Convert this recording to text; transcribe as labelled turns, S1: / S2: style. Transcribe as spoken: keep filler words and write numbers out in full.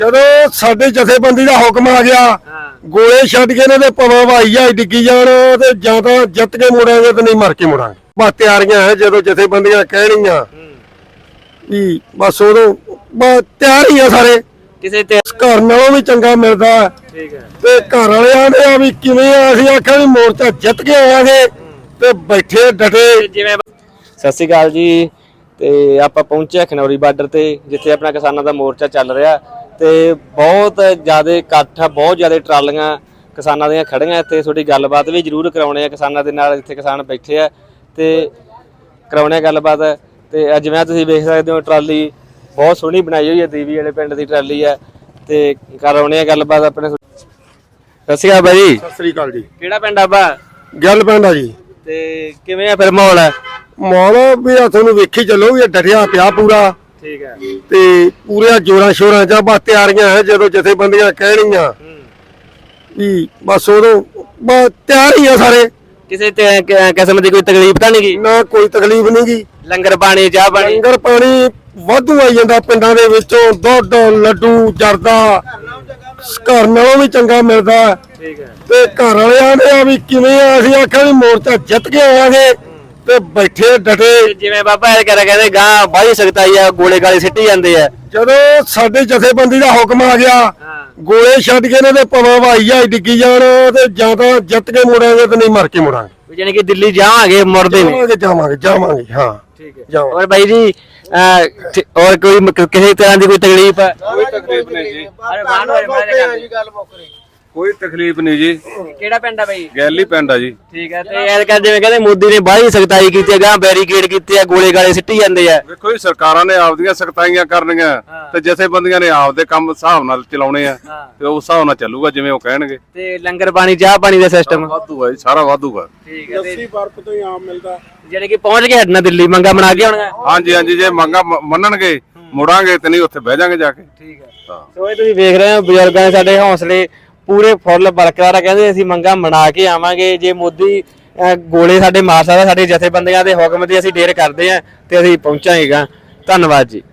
S1: ਜਦੋਂ ਸਾਡੇ ਜਥੇਬੰਦੀ ਦਾ ਹੁਕਮ ਆ ਗਿਆ ਗੋਲੇ ਛੱਡ ਕੇ ਇਹਨਾਂ ਦੇ ਪਵਾ ਭਾਈ ਆ ਡਿੱਗੀ ਜਾਣ ਤੇ ਜਾਂ ਤਾਂ ਜਿੱਤ ਕੇ ਮੁੜਾਂਗੇ ਤੇ ਨਹੀਂ ਮਰ ਕੇ ਮੁੜਾਂਗੇ। ਬਸ ਤਿਆਰੀਆਂ ਹੈ ਜਦੋਂ ਜਥੇਬੰਦੀਆਂ ਕਹਿਣੀਆਂ ਵੀ ਬਸ ਉਦੋਂ ਬਸ ਤਿਆਰ ਹੀ ਆ ਸਾਰੇ।
S2: ਕਿਸੇ ਤੇ
S1: ਘਰ ਨਾਲੋਂ ਵੀ ਚੰਗਾ ਮਿਲਦਾ ਠੀਕ ਹੈ ਤੇ ਘਰ ਵਾਲਿਆਂ ਨੇ ਆ ਵੀ ਕਿਵੇਂ ਆ ਅਸੀਂ ਆਖਿਆ ਵੀ ਮੋਰਚਾ ਜਿੱਤ ਕੇ ਆਵਾਂਗੇ ਤੇ ਬੈਠੇ ਡਟੇ ਜਿਵੇਂ।
S2: ਸਤਿ ਸ਼੍ਰੀ ਅਕਾਲ ਜੀ। ਤੇ ਆਪਾਂ ਪਹੁੰਚੇ ਖਨੌਰੀ ਬਾਰਡਰ ਤੇ ਜਿੱਥੇ ਆਪਣਾ ਕਿਸਾਨਾਂ ਦਾ ਮੋਰਚਾ ਚੱਲ ਰਿਹਾ ਤੇ ਬਹੁਤ ਜ਼ਿਆਦਾ ਇਕੱਠ ਆ, ਬਹੁਤ ਜ਼ਿਆਦਾ ਟਰਾਲੀਆਂ ਕਿਸਾਨਾਂ ਦੀਆਂ ਖੜੀਆਂ ਇੱਥੇ। ਤੁਹਾਡੀ ਗੱਲਬਾਤ ਵੀ ਜ਼ਰੂਰ ਕਰਾਉਣੇ ਆ ਕਿਸਾਨਾਂ ਦੇ ਨਾਲ, ਜਿੱਥੇ ਕਿਸਾਨ ਬੈਠੇ ਆ ਤੇ ਕਰਾਉਣੇ ਆ ਗੱਲਬਾਤ। ਤੇ ਜਿਵੇਂ ਤੁਸੀਂ ਵੇਖ ਸਕਦੇ ਹੋ ਟਰਾਲੀ ਬਹੁਤ ਸੋਹਣੀ ਬਣਾਈ ਹੋਈ ਹੈ, ਦੀਵੀ ਵਾਲੇ ਪਿੰਡ ਦੀ ਟਰਾਲੀ ਆ ਤੇ ਕਰਾਉਣੇ ਆ ਗੱਲਬਾਤ ਆਪਣੇ। ਸਤਿ ਸ਼੍ਰੀ ਅਕਾਲ ਬਾਈ।
S1: ਸਤਿ ਸ੍ਰੀ ਅਕਾਲ ਜੀ।
S2: ਕਿਹੜਾ ਪਿੰਡ ਆਬਾ?
S1: ਗੱਲ ਪਿੰਡ ਆ ਜੀ।
S2: ਤੇ ਕਿਵੇਂ ਆ ਫਿਰ ਮਾਹੌਲ?
S1: ਮਾਹੌਲ ਵੀ ਆ ਤੁਹਾਨੂੰ ਵੇਖੀ ਚੱਲੋ ਵੀ ਡਟਿਆ ਪਿਆ ਪੂਰਾ
S2: ਠੀਕ ਹੈ
S1: ਤੇ ਪੂਰੇ ਜੋਰਾਂ ਸ਼ੋਰਾਂ ਚ ਬਸ ਤਿਆਰੀਆਂ ਹੈ ਜਦੋਂ ਜਥੇਬੰਦੀਆਂ ਕਹਿਣੀਆਂ ਵੀ ਬਸ ਉਦੋਂ ਬਸ ਤਿਆਰ ਹੀ ਆ ਸਾਰੇ।
S2: ਕਿਸੇ ਤੇ ਕਿਸਮ ਦੀ ਕੋਈ ਤਕਲੀਫ ਤਾਂ ਨਹੀਂ ਗਈ?
S1: ਨਾ ਕੋਈ ਤਕਲੀਫ ਨਹੀਂ ਗੀ।
S2: ਲੰਗਰ ਪਾਣੀ ਚਾਹ ਪਾਣੀ
S1: ਲੰਗਰ ਪਾਣੀ ਵਾਧੂ ਆਈ ਜਾਂਦਾ ਪਿੰਡਾਂ ਦੇ ਵਿੱਚੋਂ, ਦੁੱਧ ਲੱਡੂ ਜਰਦਾ ਘਰ ਨਾਲੋਂ ਵੀ ਚੰਗਾ ਮਿਲਦਾ
S2: ਠੀਕ ਹੈ
S1: ਤੇ ਘਰ ਵਾਲਿਆਂ ਨੇ ਆ ਵੀ ਕਿਵੇਂ ਆ ਅਸੀਂ ਆਖਿਆ ਵੀ ਮੋਰਚਾ ਜਿੱਤ ਕੇ ਆਵਾਂਗੇ ਤੇ ਬੈਠੇ ਡਟੇ
S2: ਜਿਵੇਂ ਬਾਬਾ ਇਹ ਕਰਿਆ ਕਹਿੰਦੇ ਗਾਂ ਬਾਹੀ ਸਕਤਾਈ ਆ, ਗੋਲੇ ਗਾਲੇ ਸਿੱਟੀ ਜਾਂਦੇ ਆ।
S1: ਜਦੋਂ ਸਾਡੇ ਜਥੇਬੰਦੀ ਦਾ ਹੁਕਮ ਆ ਗਿਆ ਗੋਲੇ ਛੱਡ ਕੇ ਇਹਨਾਂ ਦੇ ਪਵਾ ਭਾਈ ਆ ਡਿੱਗੀ ਜਾਣ ਤੇ ਜਾਂ ਤਾਂ ਜਿੱਤ ਕੇ ਮੁੜਾਂਗੇ ਤੇ ਨਹੀਂ ਮਰ ਕੇ ਮੁੜਾਂਗੇ।
S2: ਯਾਨੀ ਕਿ ਦਿੱਲੀ ਜਾਵਾਂਗੇ ਮੁੜਦੇ ਨੇ।
S1: ਜਾਵਾਂਗੇ ਜਾਵਾਂਗੇ ਜਾਵਾਂਗੇ ਹਾਂ
S2: ਠੀਕ ਹੈ।
S1: ਜਾਵਾਂਗੇ।
S2: ਔਰ ਬਾਈ ਜੀ और कोई किसी तरह की कोई तकलीफ है?
S3: कोई तकलीफ नहीं जी।
S2: अरे मान वाले मारे कर दी गल मुकरी।
S3: कोई तकलीफ नहीं जी।
S2: ਕਿਹੜਾ ਪਿੰਡ ਆ ਬਾਈ?
S3: ਗੈਲੀ ਪਿੰਡ ਆ ਜੀ।
S2: ਠੀਕ ਹੈ। ਤੇ ਯਾਰ ਕਹਿੰਦੇ ਜਿਵੇਂ ਕਹਿੰਦੇ ਮੋਦੀ ਨੇ ਬਾਹਲੀ ਸਖਤਾਈ ਕੀਤੀ ਹੈ, ਗਾਂ ਬੈਰੀਕੇਡ ਕੀਤੇ ਆ, ਗੋਲੇ ਗਾਲੇ ਸਿੱਟੀ ਜਾਂਦੇ ਆ।
S3: ਵੇਖੋ ਜੀ ਸਰਕਾਰਾਂ ਨੇ ਆਪਦੀਆਂ ਸਖਤਾਈਆਂ ਕਰਨੀਆਂ ਤੇ ਜਥੇਬੰਦੀਆਂ ਨੇ ਆਪਦੇ ਕੰਮ ਹਿਸਾਬ ਨਾਲ ਚਲਾਉਣੇ ਆ ਤੇ ਉਸ ਹਿਸਾਬ ਨਾਲ ਚੱਲੂਗਾ ਜਿਵੇਂ ਉਹ ਕਹਿਣਗੇ।
S2: ਤੇ ਲੰਗਰ ਪਾਣੀ ਚਾਹ ਪਾਣੀ ਦਾ ਸਿਸਟਮ
S3: ਵਾਧੂ ਹੈ ਜੀ, ਸਾਰਾ ਵਾਧੂ ਹੈ।
S2: ਠੀਕ ਹੈ।
S1: ਲੱਸੀ ਬਰਫ ਤੋਂ ਹੀ ਆਮ ਮਿਲਦਾ
S2: ਜਿਹੜੇ ਕਿ ਪਹੁੰਚ ਕੇ ਹਟਣਾ ਦਿੱਲੀ ਮੰਗਾ ਬਣਾ ਕੇ ਆਉਣਗਾ।
S3: ਹਾਂਜੀ ਹਾਂਜੀ ਜੇ ਮੰਗਾ ਮੰਨਣਗੇ ਮੁੜਾਂਗੇ ਤੇ ਨਹੀਂ ਉੱਥੇ ਬਹਿ ਜਾਾਂਗੇ ਜਾ ਕੇ।
S2: ਠੀਕ ਹੈ। ਸੋ ਇਹ ਤੁਸੀਂ ਵੇਖ ਰਹੇ ਹੋ ਬਜ਼ੁਰਗਾਂ ਦੇ ਸਾਡੇ ਹੌਸਲੇ ਪੂਰੇ ਫੁੱਲ ਬਰਕਰਾਰ ਆ। ਕਹਿੰਦੇ ਅਸੀਂ ਮੰਗਾ ਬਣਾ ਕੇ ਆਵਾਂਗੇ, ਜੇ ਮੋਦੀ ਗੋਲੇ ਸਾਡੇ ਮਾਰ ਸਕਦਾ ਸਾਡੇ ਜਥੇਬੰਦੀਆਂ ਦੇ ਹੁਕਮ ਤੇ ਅਸੀਂ ਡੇਰ ਕਰਦੇ ਆ ਤੇ ਅਸੀਂ ਪਹੁੰਚਾਂਗੇ। ਧੰਨਵਾਦ ਜੀ।